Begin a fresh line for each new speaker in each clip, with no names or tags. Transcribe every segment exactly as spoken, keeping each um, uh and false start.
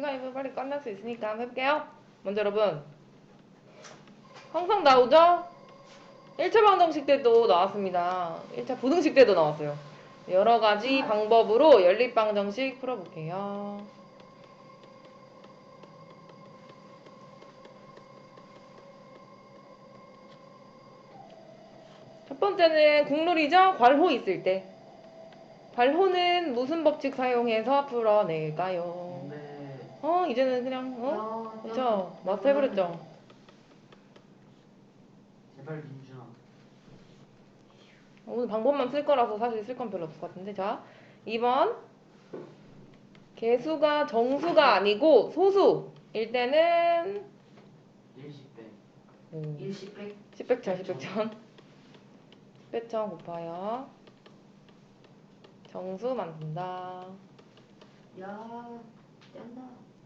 시간이 빨리 끝날 수 있으니까 한번 해볼게요. 먼저 여러분 항상 나오죠? 일 차 방정식 때도 나왔습니다. 일 차 부등식 때도 나왔어요. 여러가지 방법으로 연립방정식 풀어볼게요. 첫 번째는 국룰이죠? 괄호 있을 때. 괄호는 무슨 법칙 사용해서 풀어낼까요?
네.
어 이제는 그냥 어?
야,
그쵸?
야,
마스터 해버렸죠?
제발 민준아.
오늘 방법만 쓸 거라서 사실 쓸 건 별로 없을 것 같은데. 자, 이 번 개수가 정수가 아니고 소수일 때는
일십 배.
오,
일십백.
십백천 십백천 십백천 곱하여 정수 만든다.
야, 짠다.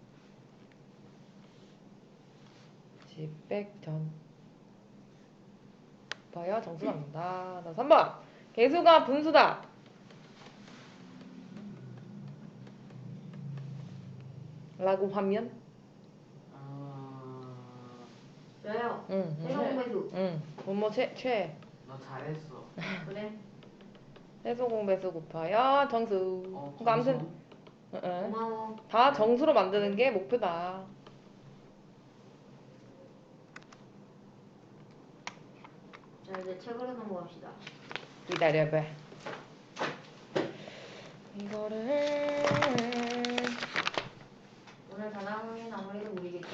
십백천 곱하여 정수 만든다. 자, 삼 번 개수가 분수다. 라고 하면
아,
저요.
응, 응,
세공배수.
응. 뭐뭐 최, 최.
너 잘했어.
그래.
해소 공배수 곱하여 정수.
어,
그러니까 아무튼
감성.
응, 응.
고마워.
다 정수로 만드는 게 목표다.
자, 이제 책으로 넘어갑시다.
기다려봐. 이거를
오늘 단학은 아무래도 우리겠죠?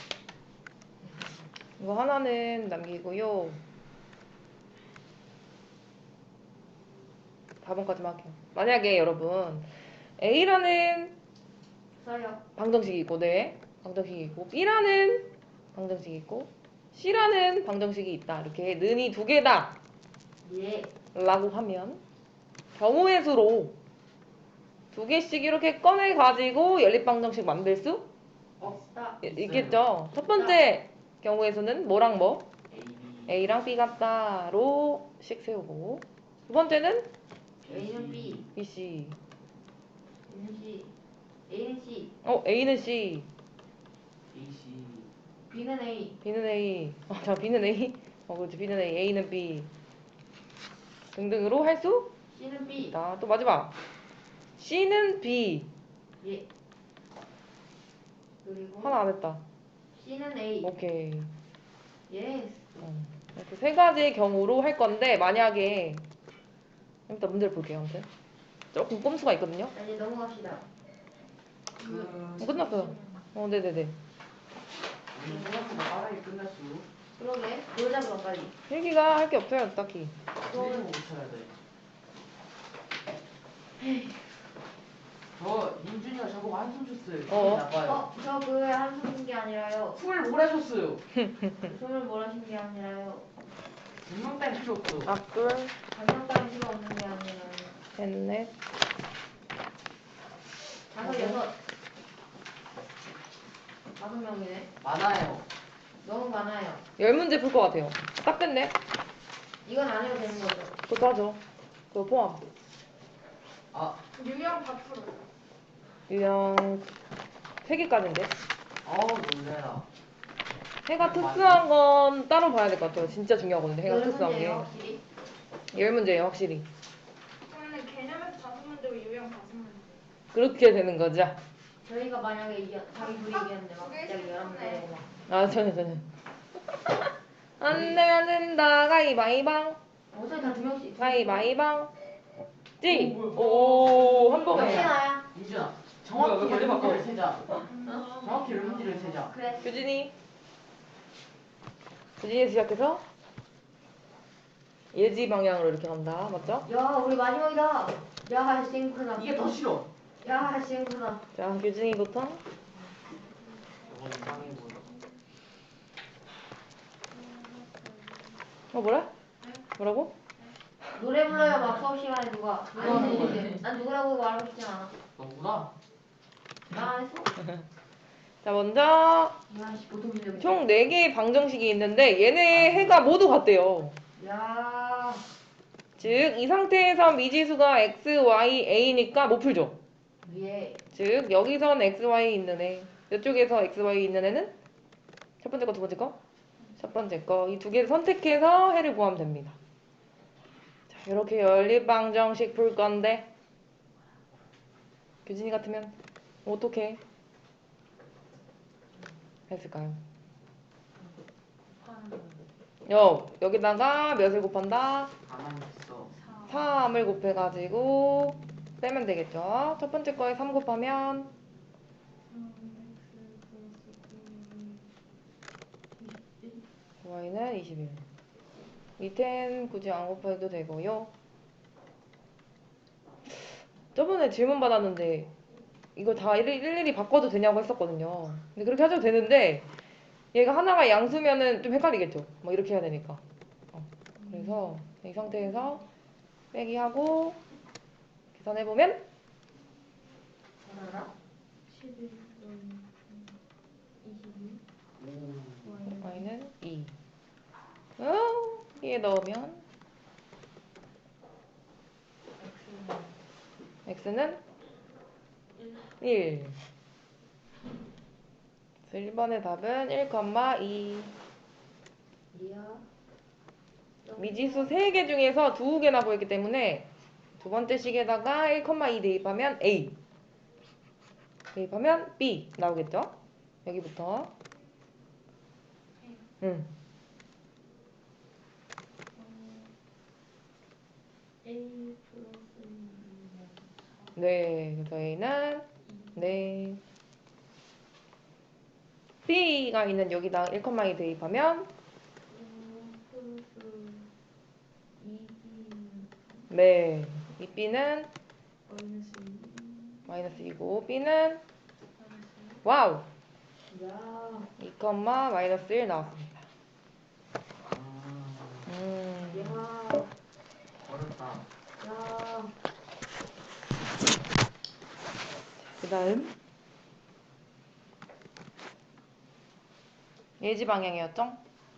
이거 하나는 남기고요. 사 번까지만 할게요. 만약에 여러분 A라는
써요.
방정식이 있고, 네, 방정식이 있고, B라는 방정식이 있고, C라는 방정식이 있다. 이렇게 는이 두 개다
예.
라고 하면 경우의 수로 두 개씩 이렇게 꺼내 가지고 연립방정식 만들 수
없다.
이-
있어요.
있겠죠. 첫 번째 경우의 수는 뭐랑 뭐?
A, B.
A랑 B 같다로 씩 세우고, 두 번째는
A는 B.
B, C.
B는 C. A는 C.
어, A는 C,
A, C.
B는 A.
B는 A. 어, 자, B는 A. 어, 그렇지. B는 A, A는 B. 등등으로 할 수
C는 B.
있다. 또 마지막. C는 B.
예. 그리고
하나 안 했다.
C는 A.
오케이.
예스.
어, 이렇게 세 가지의 경우로 할 건데, 만약에 일단 문제를 볼게요. 아무튼 조금 꼼수가 있거든요.
자, 이제 넘어갑시다.
그.
어, 끝났어요. 어, 네네네.
우리 생각보다 빠르게 끝났어.
그러게. 놀자 그럼 빨리.
필기가 할 게 없어요, 딱히.
그리고 못 쳐야 돼. 저 민준이가 저보고 한숨 줬어요. 기분이
어.
나빠요.
어, 저 그 한숨 쉰게 아니라요.
숨을 몰아줬어요.
숨을 몰아쉰 게 아니라요.
분명 딸 필요 없어.
앞둘,
반성 따위 필요 없는 게 아니라요.
셋, 넷.
다섯, 여섯. 다섯 명이네.
많아요.
너무 많아요.
열 문제 풀 것 같아요. 딱 됐네.
이건 안 해도 되는 거죠.
그것도 하죠. 그거 포함.
아,
유형 다 풀어.
유형 세 개까지인데.
어우 놀래라.
해가 특수한 건 따로 봐야 될 것 같아요. 진짜 중요하거든요. 해가
여러
특수한 게.
문제예요, 확실히.
열 문제예요, 확실히.
그러면 개념에서 다섯 문제고 유형 다섯 문제.
그렇게 되는 거죠.
저희가 만약에 이겨, 자기 둘이 이겼는데 막
그게
갑자기 열한 문제 되고 막.
아, 전혀, 전혀. 안 되면 된다. 가위바위방.
어차피 다 두 명씩.
가위바위방. 찌!
오, 뭐야.
오, 한
몇
번에.
개나야?
민준아,
뭐야,
정확히
왜
열
바꿔?
문제를 세자.
어?
정확히 열 문제를 세자.
그래.
규진이. 규진이 시작해서 예지 방향으로 이렇게 간다. 맞죠?
야, 우리 마지막이다. 야, 싱크다.
이게 더 싫어.
야, 싱크다.
자, 규진이부터.
저거 이상해 보여.
어, 뭐라? 뭐라고?
노래 불러요, 막 수업 시간에 누가. 누가
아니,
했는데. 난 누구라고 말하고 싶진 않아.
너구나.
나 안 했어.
자, 먼저
야, 씨, 보통 문제.
총 네 개의 방정식이 있는데 얘네 해가 모두 같대요.
야,
즉, 이 상태에서 미지수가 x, y, a니까 못 풀죠.
위에
즉 여기선 xy 있는 애, 이쪽에서 xy 있는 애는 첫 번째 거, 두 번째 거? 첫 번째 거. 이 두 개를 선택해서 해를 구하면 됩니다. 자, 이렇게 연립방정식 풀 건데 규진이 같으면 어떻게 했을까요? 여, 여기다가 몇을 곱한다?
가만히 있어.
삼을 곱해가지고 빼면 되겠죠? 첫 번째 거에 삼 곱하면 y는 이십일. 밑엔 굳이 안 곱해도 되고요. 저번에 질문 받았는데 이거 다 일- 일일이 바꿔도 되냐고 했었거든요. 근데 그렇게 하셔도 되는데 얘가 하나가 양수면은 좀 헷갈리겠죠? 뭐 이렇게 해야 되니까. 어, 그래서 이 상태에서 빼기 하고 계산해보면
알아라?
오.
y는 이. 어, 얘 넣으면 x는 일. 그래서 일 번의 답은 일, 이.
리아
미지수 세 개 중에서 두 개나 보였기 때문에 두 번째 식에다가 일, 이 대입하면 a. 대입하면 b 나오겠죠? 여기부터. 응.
A 플러스
네. 그래서 a는 네. b가 있는 여기다 일, 이 대입하면
플러스 이
네. 이 b는
마이너스
마이너스 이고 b는 와우.
야,
이, 마이너스 일 나왔습니다.
아,
음.
야,
어렵다.
야.
그 다음 예지 방향이었죠?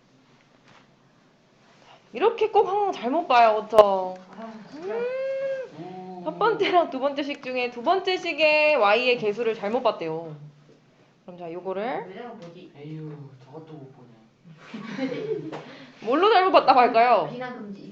이렇게 꼭 항상 잘못 봐요, 그쵸?
아, 진짜.
오.
첫 번째랑 두 번째 식 중에 두 번째 식의 y의 개수를 잘못 봤대요. 그럼 자, 요거를
왜 내가 뭐지?
에휴, 저것도 못 보네.
뭘로 잘못 봤다고 할까요?
비난 금지.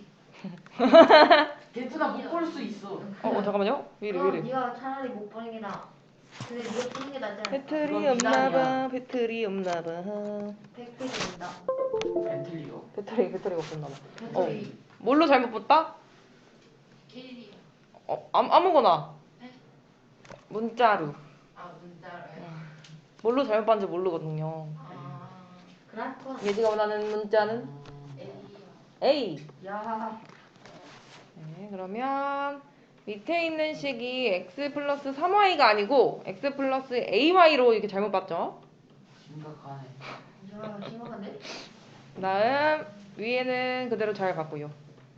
걔트나 못 볼 수 있어.
어, 어 잠깐만요. 왜 이래, 왜
그럼
이래.
네가 차라리 못 보는 게 나아. 근데 네가 보는 게 낫지 않을까?
배터리
그건
없나봐,
미간이야.
배터리 없나봐.
백 페이지 된다.
벤틀리요.
배터리, 배터리가 없었나봐. 어,
배터리
뭘로 잘못 봤다?
케일이야.
어, 아무, 아무거나. 문자로.
아, 문자로.
뭘로 잘못 봤는지 모르거든요.
아, 그라콘.
예지가 원하는 문자는
음.
A.
야,
네, 그러면 밑에 있는 식이 x 플러스 삼 와이가 아니고 x 플러스 에이와이로 이렇게 잘못 봤죠?
심각하네.
야, 심각한데?
다음 위에는 그대로 잘 봤고요.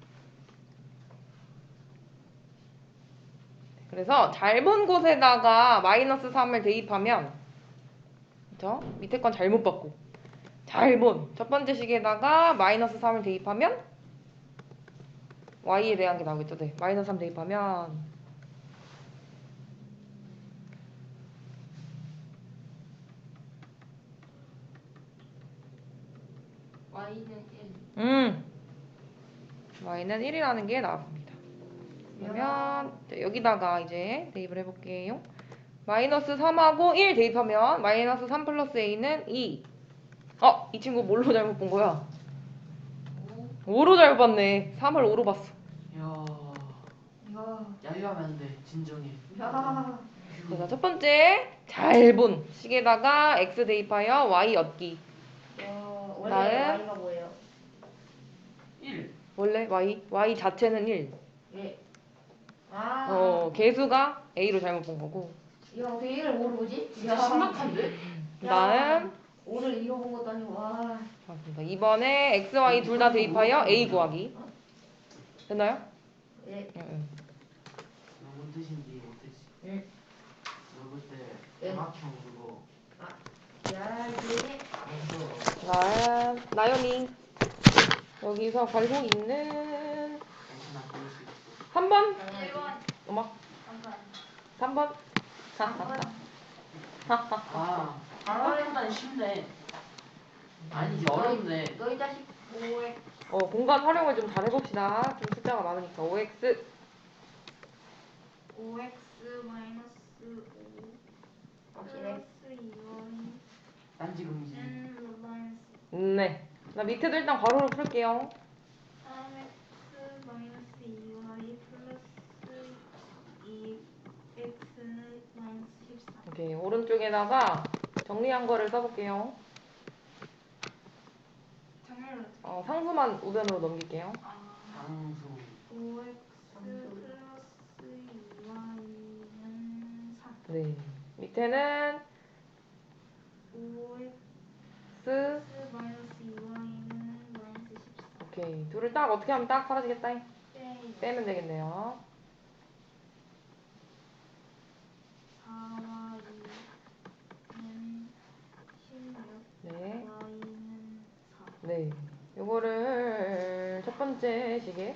그래서 잘 본 곳에다가 마이너스 삼을 대입하면 그죠? 밑에 건 잘못 봤고 잘 본 첫 번째 식에다가 마이너스 삼을 대입하면 y에 대한 게 나오겠죠? 네. 마이너스 삼 대입하면
Y는 일.
음 y는 일이라는 게 나왔습니다. 그러면 자, 여기다가 이제 대입을 해볼게요. 마이너스 삼하고 일 대입하면 마이너스 삼 플러스 a는 이. 어? 이 친구 뭘로 잘못 본 거야? 오로 잘못 봤네. 삼을 오로 봤어.
야,
야,
야유하면 안 돼. 진정해.
야.
그래서 첫 번째 잘 본 식에다가 x 대입하여 y 얻기.
야, 원래
다음.
Y가 뭐예요?
일.
원래 y y 자체는 일.
예. 아.
어 개수가 a로 잘못 본 거고.
야, 어떻게 일을 오로 보지?
진짜 심각한데?
그다음
오를 이로 본 것도 아니고, 와.
맞습니다. 이번에 x, y 둘 다 대입하여 a 구하기. 됐나요?
예.
응, 응.
너 뭔 뜻인지 못했지.
응.
너 그때
응.
정학형 그거
야, 이게.
했어.
나 나연이 여기서 걸고 있는
괜찮아, 그럴 수 있어.
삼 번
일 번.
음악
잠깐.
삼 번
아, 생각보다 쉽네. 아니지, 어렵네.
너희 자식 오엑스
어, 공간 활용을 좀 잘 해봅시다. 좀 숫자가 많으니까. 오엑스.
오엑스 마이너스 오
확실해?
플러스 이와이
딴지 금지.
n 마이너스
네. 나 밑에도 일단 괄호로 풀게요.
삼 엑스 마이너스 이와이 플러스 이 엑스는 마이너스 십삼.
오케이. 오른쪽에다가 정리한 거를 써볼게요.
정렬을
어, 상수만 우변으로 넘길게요.
아
상수.
오엑스
상수.
플러스 이와이는 삼.
네. 밑에는
오엑스
스.
마이너스 이와이는 마이너스 십사.
오케이. 둘을 딱 어떻게 하면 딱 사라지겠다.
빼.
빼면 되겠네요.
사와 이는 십육.
네.
y는 사.
네. 요거를 첫 번째 시계.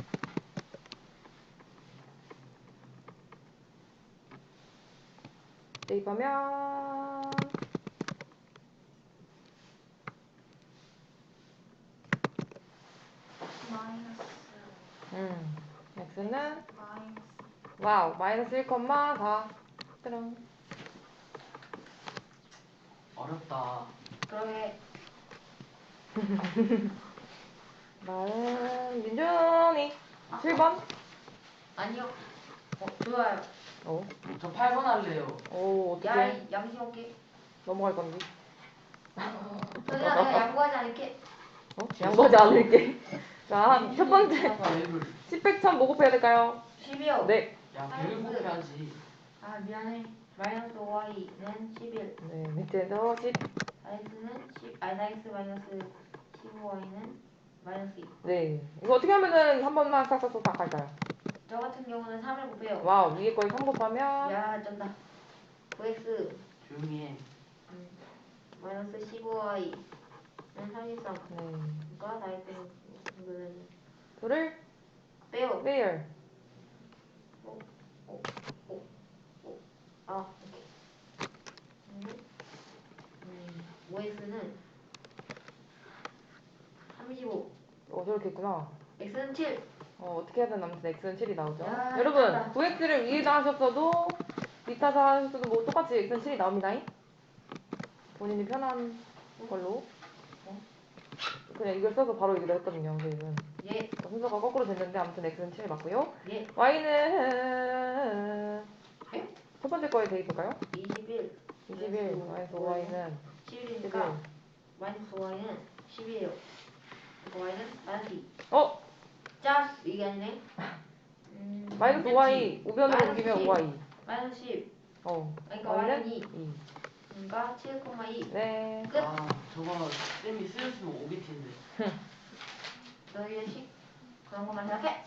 대입하면
마이너스
음. x는
마이너스
와우. 마이너스 일, 사. 짜란.
어렵다.
그러게
나는 민준이 칠 번.
아니요 어 좋아요
어.
저 팔 번 할래요.
오, 어떡해.
야이 양심 없게
넘어갈 건데.
서진아 내가 양보하지 않을게
어? 양보하지 않을게. 자, 첫 번째.
아까 앱을.
십, 백, 천 뭐 곱해야 될까요?
십이요
네.
야, 백을 곱해야지.
아 미안해 마이너스 오와이는 십일
네, 밑에도 십.
x는 십 아니 x 마이너스 십오 와이는 마이너스 이.
네. 이거 어떻게 하면은 한 번만 싹싹싹 싹 할까요?
저 같은 경우는 삼을 곱해요
와우, 위에 거에 삼 곱하면.
야 쩐다 구 엑스
조용히 해.
음, 마이너스 십오 와이는 삼십삼
네.
그러니까 나이트 이거는
둘을
빼요
빼요.
아 오케이 음, 음, 오 엑스는 삼십오
어, 저렇게 했구나.
x는 칠
어, 어떻게 하든 아무튼 x는 칠이 나오죠.
야,
여러분,
잘한다.
구 엑스를 위에다 하셨어도 밑에다 하셨어도 뭐 똑같이 x는 칠이 나옵니다. 본인이 편한 걸로. 어? 그냥 이걸 써서 바로 이기로 했거든요, 저희는.
예
순서가 거꾸로 됐는데 아무튼 x는 칠 맞고요.
예
y는
예?
첫 번째 거에 대입할까요?
이십일
이십일 마이너스 오 와이는
십일이니까 마이너스 오 와이는 십이에요 y는 마이너스 이
어?
짜 이게 아니네 음,
마이너스 오 와이 우변으로
마이너스
옮기면
십.
오 와이.
마이너스 십
어.
그러니까
y는
y는 이
이.
그러니까 칠 콤마 이
네.
끝
아, 저거 쌤이 쓰였으면 오겠는데.
너희 자식 그런 것만 생각해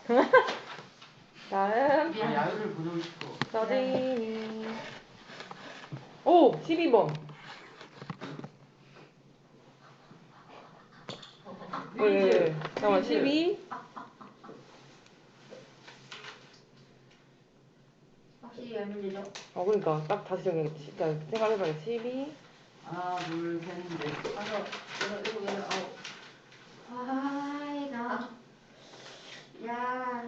다음
나 야유를 보내고 싶어.
서진이. 오! 십이 번. 왜, 왜, 왜? 잠깐만, 십이.
확실히 열 문제죠
어, 그러니까 딱 다시 정해야겠다. 진짜 생각해봐야겠다. 십이.
하나, 둘, 셋, 넷.
다섯 여덟 일곱 여덟 아홉 아이 나 야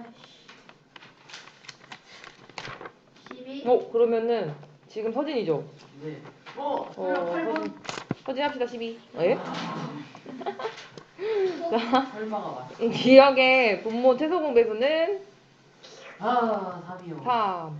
십이
어, 그러면은 지금 서진이죠?
네. 어,
어,
팔 번.
서진. 서진 합시다, 십이. 예?
설마가 맞.
기억의 분모 최소 공배수는
아, 삼이요.
삼.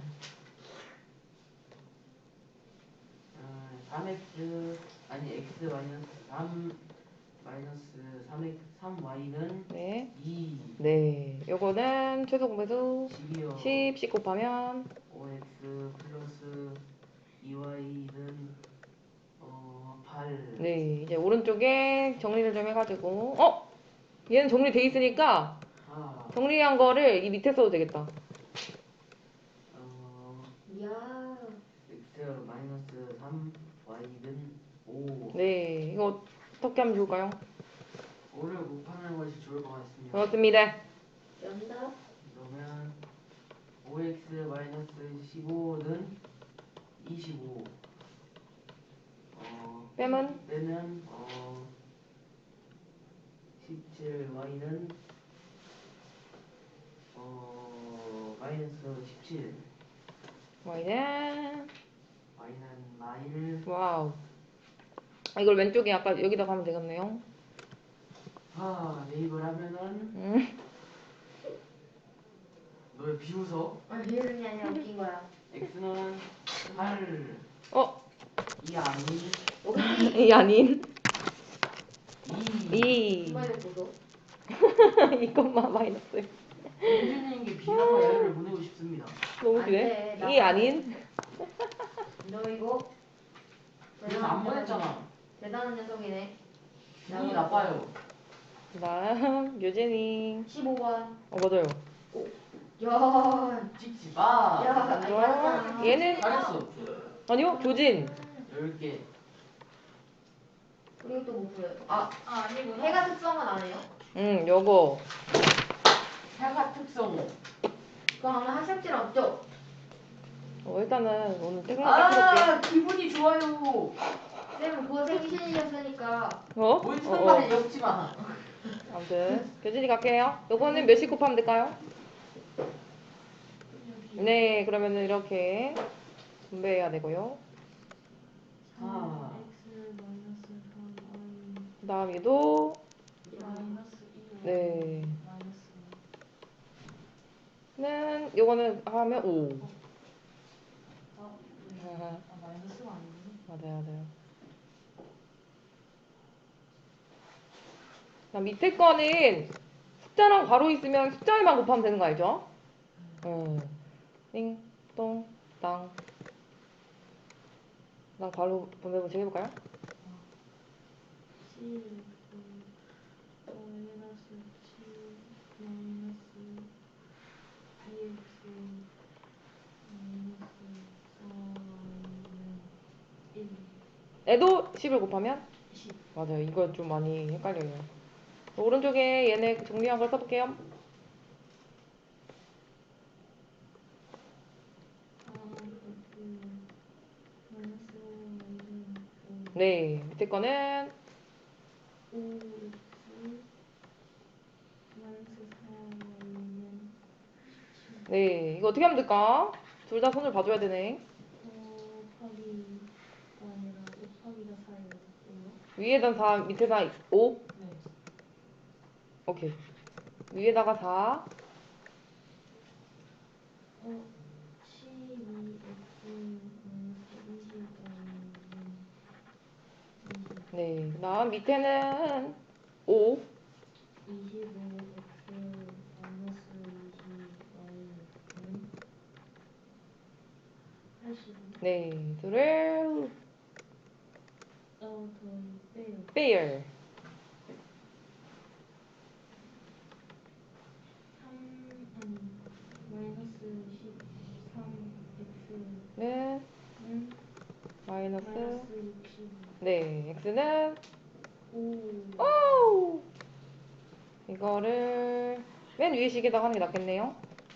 음, 삼 엑스 아니 x 마이너스 삼 마이너스 삼 엑스 삼 와이는
네.
이.
네. 요거는 최소 공배수
십이요.
십, 십 곱하면
오 엑스 플러스 이 와이는 어 팔.
네. 이제 오른쪽에 정리를 좀 해가지고 어? 얘는 정리돼 있으니까
아,
정리한 거를 이 밑에 써도 되겠다.
어
야
x 마이너스 삼 와이는 오.
네. 이거 어떻게 하면 좋을까요?
오를 곱하는 것이 좋을 것 같습니다.
그렇습니다.
정답
그러면 오 엑스 마이너스 십오는 이십오. 어,
빼면
빼면 어 십칠. y는 어 마이너스 십칠.
y는
y는 마일.
와우. 아, 이걸 왼쪽에 아까 여기다 가면 되겠네요.
아 네이버를 하면은
음.
너 왜 비웃어?
아, 비웃는 게 아니라 웃긴 거야.
x는 팔.
어?
이 아닌
오케이.
이 아닌
이.
이.
정말 보소.
이것만 마이너스.
공주님께 비난과 야유를 보내고 싶습니다.
너무
안
기네.
돼,
이 아닌
너 이거
그래서 안 보냈잖아.
대단한 녀석이네.
기분이 나빠요.
그다음 유진이.
십오 번.
어 맞아요.
야,
찍지 마.
야, 아니 맞았잖아.
얘는
잘했어.
아니요 교진.
열 개.
그리고 또 뭐 풀어요? 아,
아 아니구나.
해가 특성은 안 해요?
응 요거.
해가 특성.
그거 하면 학습지랑 없죠?
어, 일단은 오늘 생각 딱
아 기분이 좋아요.
쌤은 그거 생기신이셨으니까
해볼게. 어?
뭘
어,
쓰는
어.
말에 엮지 마.
아무튼 교진이 갈게요. 요거는 몇씩 곱하면 될까요? 네 그러면은 이렇게 분배해야 되고요.
아.
그 다음 얘도
마이너스 일.
네.
마이너스
는 요거는 하면 오.
아, 네.
아하,
아, 마이너스가 아니네.
맞아요 맞아요. 그다음 밑에 거는 숫자랑 괄호 있으면 숫자에만 곱하면 되는 거 알죠? 응. 띵, 똥, 땅. 그다음 괄호 분배 문제 해볼까요?
칠, 구, 마이너스 칠, 마이너스 이 엑스, 마이너스 사는 일.
애도 십을 곱하면?
십.
맞아요. 이거 좀 많이 헷갈려요. 오른쪽에 얘네 정리한 걸 써볼게요. 네, 밑에 거는
오 엑스 마이너스 사 와이는
네, 이거 어떻게 하면 될까? 둘 다 손을 봐줘야 되네.
곱하기가 아니라 곱하기가 사예요.
위에다 사, 밑에다 오?
네.
오케이. 위에다가 사.
어, 십이 엑스 마이너스 이십 와이는 이십.
네, 그 다음 밑에는 오.
이십오 엑스 마이너스 이십 와이는 팔십오.
네, 둘을
어, 더 빼요.
빼요.
삼, 아니, 마이너스 십삼 엑스는
는 마이너스.
마이너스 육십오.
네, x는
오.
오. 이거를 맨 위에 식에다 하는 게 낫겠네요.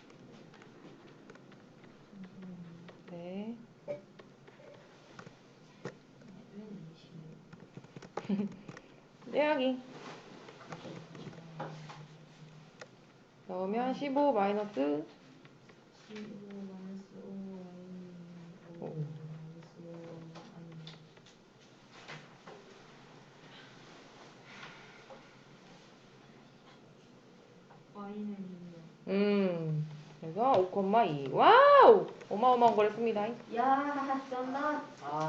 네. 빼기. 넣으면 십오 마이너스
십오 마이너스 오 와이는 오.
오.
마이너스 오 아니. 와이는 이요.
음. 그래서 오, 이. 와우! 어마어마한 걸 했습니다.
야, 쩐다.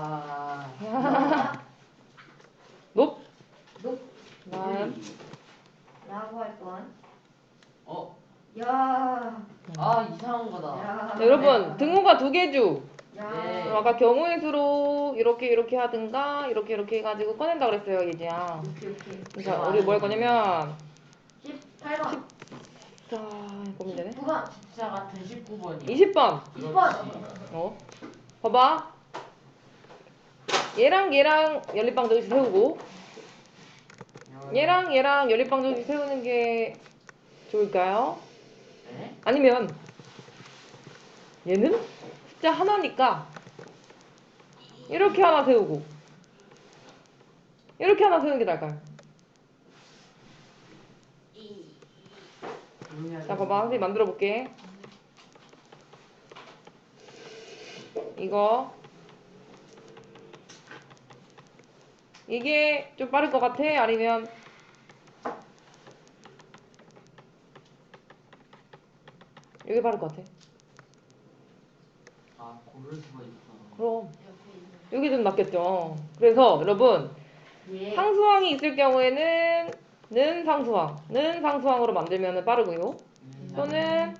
아.
높.
높.
다음.
라고 할 뻔.
어.
야,
아 이상한 거다.
야.
자, 여러분, 등호가 두 개주.
야.
네.
그럼 아까 경우의 수로 이렇게 이렇게 하든가 이렇게 이렇게 해가지고 꺼낸다 그랬어요, 예지야.
오케이, 오케이.
자, 우리 뭐 할 거냐면
십팔 번.
자, 보면 되네.
십구 번.
숫자가 대십구 번이야.
이십 번.
이십 번.
어? 봐봐. 얘랑 얘랑 연립방정식 세우고 얘랑 얘랑 연립방정식 세우는 게 좋을까요?
네?
아니면 얘는 숫자 하나니까 이렇게 하나 세우고 이렇게 하나 세우는 게 나을까요? 자, 봐봐. 선생님 만들어 볼게. 이거 이게 좀 빠를 것 같아? 아니면 이게 빠를 것 같아?
아 고를 수가 있구나.
그럼
옆에 있는.
이게 좀 낫겠죠. 그래서 여러분
예.
상수항이 있을 경우에는 는 상수항, 는 상수항으로 만들면 빠르고요.
음,
또는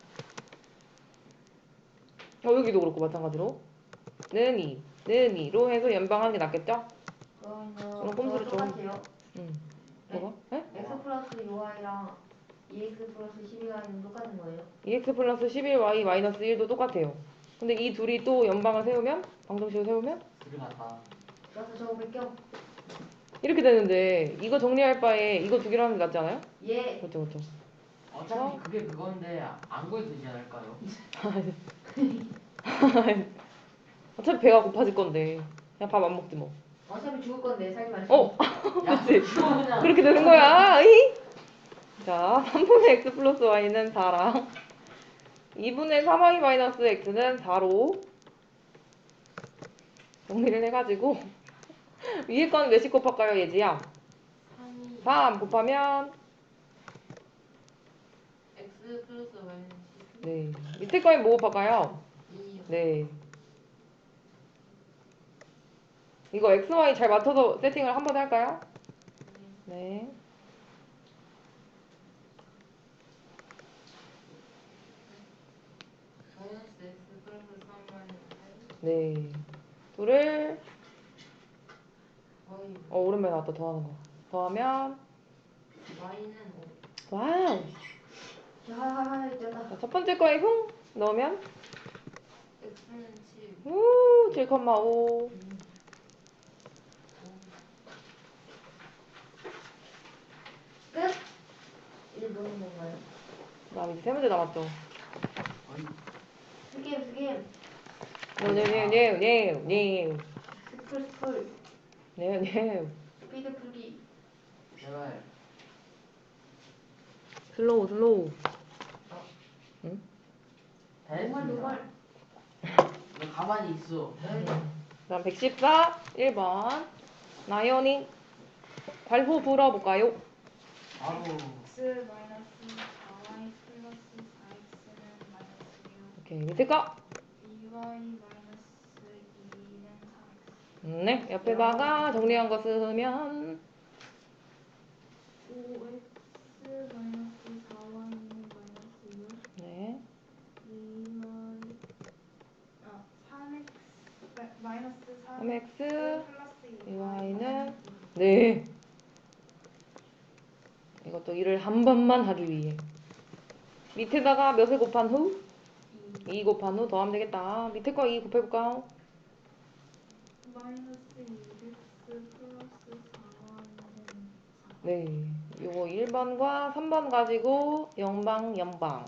어 여기도 그렇고 마찬가지로 는 이, 는 이로 해서 연방하는 게 낫겠죠?
그러면
그럼 꼼수를
그거
좀.
똑같아요.
음. 뭐가? 에?
x 플러스 유 와이랑 이 엑스 플러스 십이 와이는 똑같은 거예요?
이엑스 플러스 십일 와이 마이너스 일도 똑같아요. 근데 이 둘이 또 연방을 세우면 방정식을 세우면
그게 낫다.
그래서 저거 뺄게요.
이렇게 되는데 이거 정리할 바에 이거 두 개로 하는 게 낫지 않아요?
예.
그렇죠, 그렇죠.
어차피 그게 그건데 안 구해도 되지 않을까요?
어차피 배가 고파질 건데 그냥 밥 안 먹지 뭐.
어차피 죽을 건데 살지 마시고.
어,
야
그치.
그거는
그렇게 되는 거야. 이? 자, 삼분의 x 플러스 y는 사랑 이분의 삼 와이 마이너스 x는 사로 정리를 해가지고 위에 건 몇씩 곱할까요, 예지야?
삼이
삼 곱하면
x 플러스 y는
네. 밑에 거에 뭐 곱할까요?
이.
네. 이거 x, y 잘 맞춰서 세팅을 한 번에 할까요? 네.
마이너스 x 플러스 삼 와이는
네. 둘을
y.
어 오랜만에 나왔다 더하는 거. 더하면
y는
와우.
오. 야, 됐다.
자, 첫 번째 거에 흉 넣으면
x는 칠.
우 칠 콤마 오.
끝. 이제 노는 건가요?
그다음 이제 세 문제 남았죠.
거의
스김 스김.
네네네네네
스풀 스풀.
네네
스피드 풀기.
제발
슬로우 슬로우.
노멀
다 했습니다.
노멀.
너 가만히 있어.
네.
그다음 백십사 일 번 나연이 발호 불어볼까요?
바로
x 마이너스 사 와이 플러스 사 엑스는 마이너스 육,
오케이 밑에 거.
이 와이 마이너스 이는 삼 엑스.
네 옆에다가 정리한 거 쓰면
오 엑스 마이너스 사 와이는 마이너스 육.
네
이 와이
아, 삼 엑스 마- 마이너스 삼
삼 엑스
플러스
이 와이는 네 이것도 일을 한 번만 하기 위해 밑에다가 몇을 곱한 후? 이 곱한 후 더하면 되겠다. 밑에 거 이 곱해볼까?
마이너스 이 엑스 플러스 사 와이는 사.
네 요거 일 번과 삼 번 가지고 영방 연방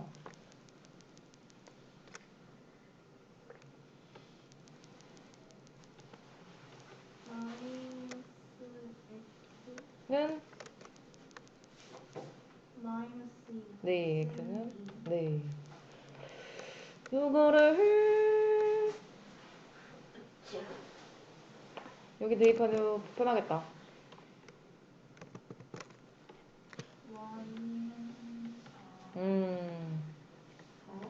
마이너스 x
는
마이너스 이.
네 x는 네 요거를 여기 대입하면 편하겠다.
y는 사.
음
어?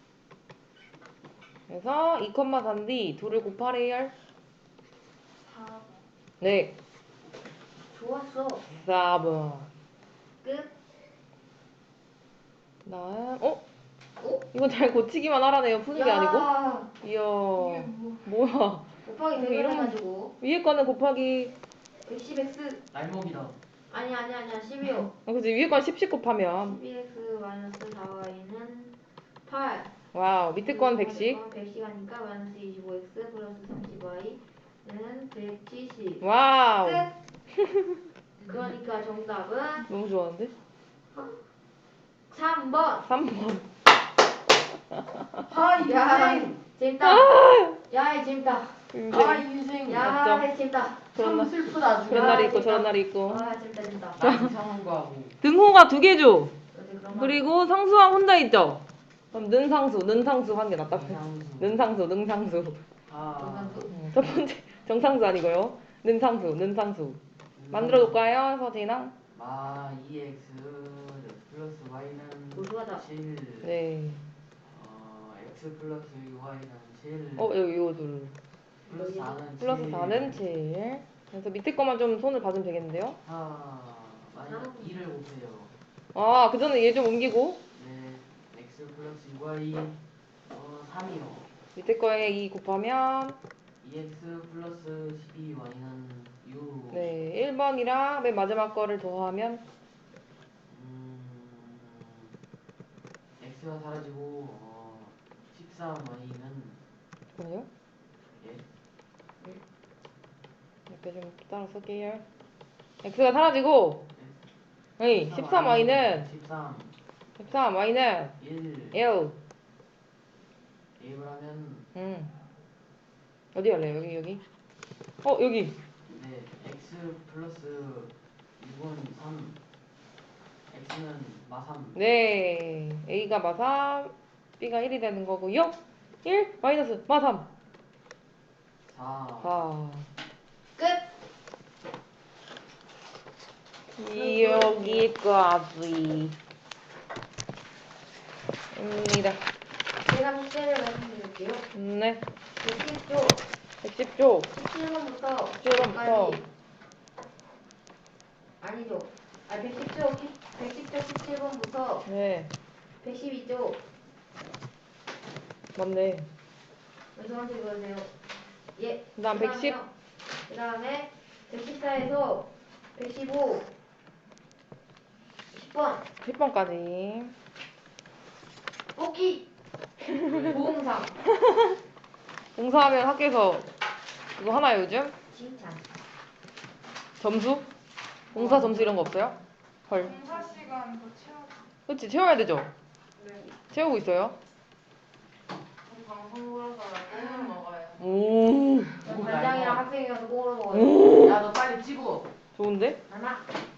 그래서 이 컴마 사인데 둘을 곱하래요.
사 번.
네
좋았어.
사 번
끝.
다음 어?
어?
이건 잘 고치기만 하라네요. 푸는 게 아니고.
야,
이야
이게 뭐?
뭐야
곱하기
어,
대결
이런-
해가지고
위에 거는 곱하기
백십 엑스.
날먹이다.
아니 아니 아니야 십이요.
어, 그치 위에 거는 십씩 곱하면
십이 엑스 마이너스 사 와이는 팔.
와우 밑에 건 백씩
백십 하니까 마이너스 이십오 엑스 플러스 삼십 와이는 백칠십.
와우
끝. 그러니까 정답은
너무 좋아하는데?
삼 번.
삼 번
야, 재밌다. 야, 이 재밌다.
인생.
아 인생.
야,
맞죠?
재밌다.
그런
참
날,
슬프다. 아주.
그런
아,
날이 있고
재밌다.
저런 날이 있고.
아, 재밌다, 재밌다.
나 이상한 거 하고.
등호가 두 개죠.
어제 그런 말.
그리고 상수항 혼자 있죠. 그럼 는상수, 는상수 하는 게 낫다.
이상수.
는상수, 능상수.
아.
음, 첫 번째 정상수 아니고요. 는상수, 는상수. 만들어 볼까요, 서진아?
마 이엑스 플러스 y는
우수하다.
칠.
네.
어 x 플러스 y는 칠.
어 여기 이거 둘.
플러스 사는
플러스 사는 칠. 그래서 밑에 거만 좀 손을 봐주면 되겠는데요.
사 마이너스 이를 곱해요.
아, 그 전에 얘 좀 옮기고.
네. x 플러스 y 어 삼이요.
밑에 거에 이 곱하면
이엑스 플러스 십이 y는 육.
네, 일 번이랑 맨 마지막 거를 더하면
음, x가 사라지고 어, 십삼 y는
뭐요?
예?
이렇게 좀 따라 쓸게요. x가 사라지고 네, 십삼 y는
십삼
십삼 y는
일
일.
대입을 하면
음. 어디 할래요? 여기 여기. 어, 여기.
네 x 플러스 육은 삼 x는 마삼.
네. a가 마삼, b가 일이 되는 거고요. 일 마이너스 마삼.
사.
사.
끝.
여기까지. 입니다.
제가 숙제를 말씀드릴게요.
네.
백십 조
백십 조.
십칠 번부터
십칠 번부터.
아니죠. 아, 백십 조 백십 조 십칠 번부터
네.
백십이 조
맞네.
저한테 읽어주세요. 예.
그다음 백십.
그 다음에 백십사에서 백십오 십 번
십 번까지.
뽑기 보험상
공사하면 학교에서 그거 하나요, 요즘?
칭찬.
점수? 공사 점수 이런 거 없어요? 헐.
공사 시간 더 채워.
그치, 채워야 되죠?
네.
채우고 있어요.
방송 보러 가야 꽁을 먹어요.
오.
반장이랑 학생이어서 꽁으로 먹어요.
야 너 빨리 찍어.
좋은데?
하나